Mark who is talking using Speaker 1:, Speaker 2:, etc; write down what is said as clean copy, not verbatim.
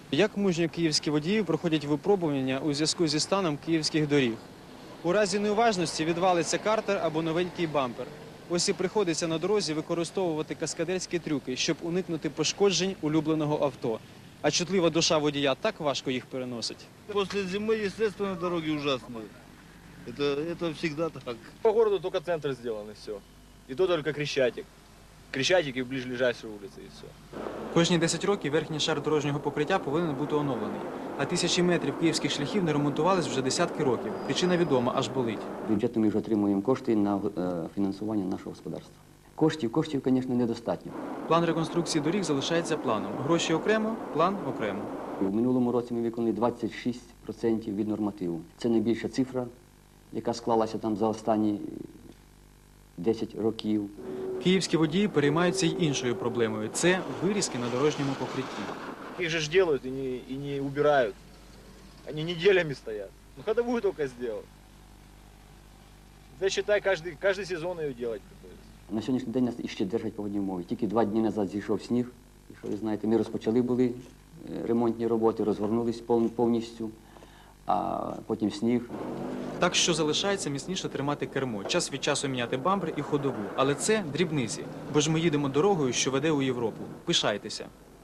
Speaker 1: Як мужньо київські водії проходять випробування у зв'язку зі станом київських доріг? У разі неуважності відвалиться картер або новенький бампер. Ось і приходиться на дорозі використовувати каскадерські трюки, щоб уникнути пошкоджень улюбленого авто. А чутлива душа водія так важко їх переносить.
Speaker 2: После зимы, естественно, дороги ужасные. Это всегда так.
Speaker 3: По городу только центр сделан и все. И то только Крещатик. Крещатик и ближайшие улицы и все.
Speaker 1: Кожні 10 років верхній шар дорожнього покриття повинен бути оновлений. А тисячі метрів київських шляхів не ремонтувались вже десятки років. Причина відома, аж болить.
Speaker 4: Бюджетом ми вже отримуємо кошти на фінансування нашого господарства. Коштів, звісно, недостатньо.
Speaker 1: План реконструкції доріг залишається планом. Гроші окремо, план окремо.
Speaker 4: В минулому році ми виконали 26% від нормативу. Це найбільша цифра, яка склалася там за останні 10 років.
Speaker 1: Київські водії переймаються й іншою проблемою – це вирізки на дорожньому покритті.
Speaker 3: Их же ж делают и не убирают. Они неделями стоят. Ну ходовую только сделал. Да считай, каждый сезон ее делать приходится.
Speaker 4: На сьогоднішній день нас іще держать погодні умови. Тільки 2 дні назад зійшов сніг. І що ви знаєте, ми розпочали були ремонтні роботи, розгорнулись повністю, а потім сніг.
Speaker 1: Так що залишається міцніше тримати кермо, час від часу міняти бампер і ходову. Але це дрібниці, бо ж ми їдемо дорогою, що веде у Європу. Пишайтеся.